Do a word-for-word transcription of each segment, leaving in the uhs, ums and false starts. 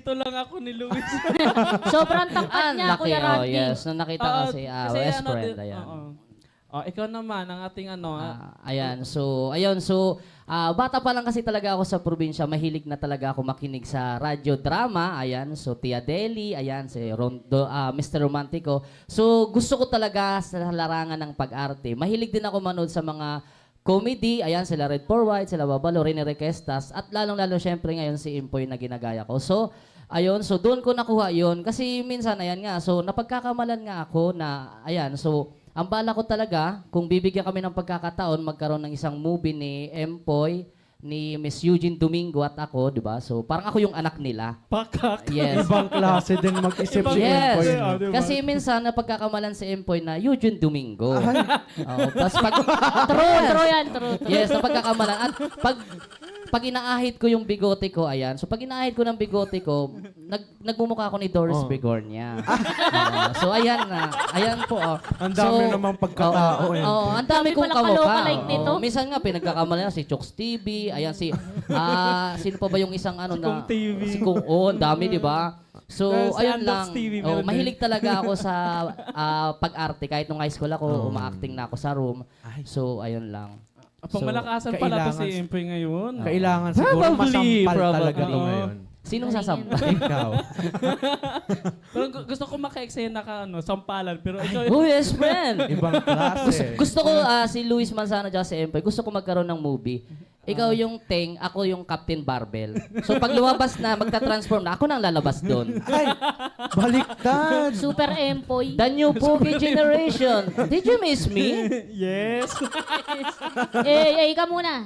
Ito lang ako ni Luis. Sobrang tangkad Ah, niya, laki. Kuya Oh, Randy. yes. Nung nakita ko si ah, kasi West ano friend. din- Ayan. oo. Oh, ikaw naman, ang ating ano. ah, Ah, ayan. So, ayun. So, ah, bata pa lang kasi talaga ako sa probinsya. Mahilig na talaga ako makinig sa radyo drama. Ayan. So, Tia Deli. Ayan. Si Rondo, ah, mister Romantico. So, gusto ko talaga sa larangan ng pag-arte. Mahilig din ako manood sa mga comedy. Ayan. Sila Red for White, sila Babalo, Rene Requestas. At lalong-lalo syempre ngayon si Impoy na ginagaya ko. So, ayun. So, doon ko nakuha yun. Kasi minsan, ayan nga. So, napagkakamalan nga ako na, ayan. So, ang bala ko talaga, kung bibigyan kami ng pagkakataon, magkaroon ng isang movie ni Empoy, ni Miss Eugene Domingo at ako, di ba? So, parang ako yung anak nila. Pakak. Yes. Ibang klase din mag-isip si Yes. Empoy. Ah, diba? Kasi minsan, napagkakamalan si Empoy na Eugene Domingo. Oo, tapos pag... True, true yan, true. true. Yes, napagkakamalan. At pag pag inaahit ko yung bigote ko, ayan. So pag inaahit ko ng bigote ko, nag nagmumukha ako ni Doris Oh. Begornia. Oo. So ayan na. Ayan po. Oh. Ang dami namang pagkatao, eh. Oo, ang dami Dami kong palang kamukha. kaloka-like nito. Oo. Minsan nga pinagkakamalan si Chokes T V, ayan si ah sino pa ba yung isang ano na Kung T V. si Kung oh, ang dami, di ba? So, Dahil si ayun Andox lang. T V, Oh, meron mahilig talaga ako sa ah, pag-arte. Kahit nung high school ako, uma-acting na ako sa room. Ay. So, ayun lang. Pang malakasan pala to si kailangan- Impoy ngayon. Kailangan siguro Probably, masampal probably. talaga to Oo. ngayon. Sinong sasampa? Ikaw. Pero gu- gusto ko maka-eksena ka, ano, sampalan. Pero ikaw, Oh, yes, friend. Ibang klase. Gusto ko ah, si Luis Manzano at si Empoy, gusto ko magkaroon ng movie. Ikaw yung Teng, ako yung Captain Barbell. So pag lumabas na, magta-transform na, ako nang lalabas doon. Ay, baliktad. Super Empoy. The new Pogi generation. Did you miss me? yes. eh, eh, ikaw muna.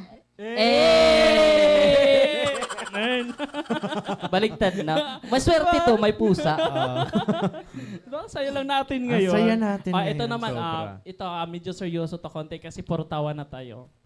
Eh! Man. Baliktad na. Maswerte to, may pusa. Diba, saya lang natin Ang ngayon. saya natin Ah, ito ngayon, naman, sobra. ah, ito, ah, medyo seryoso to konti kasi puro tawa na tayo.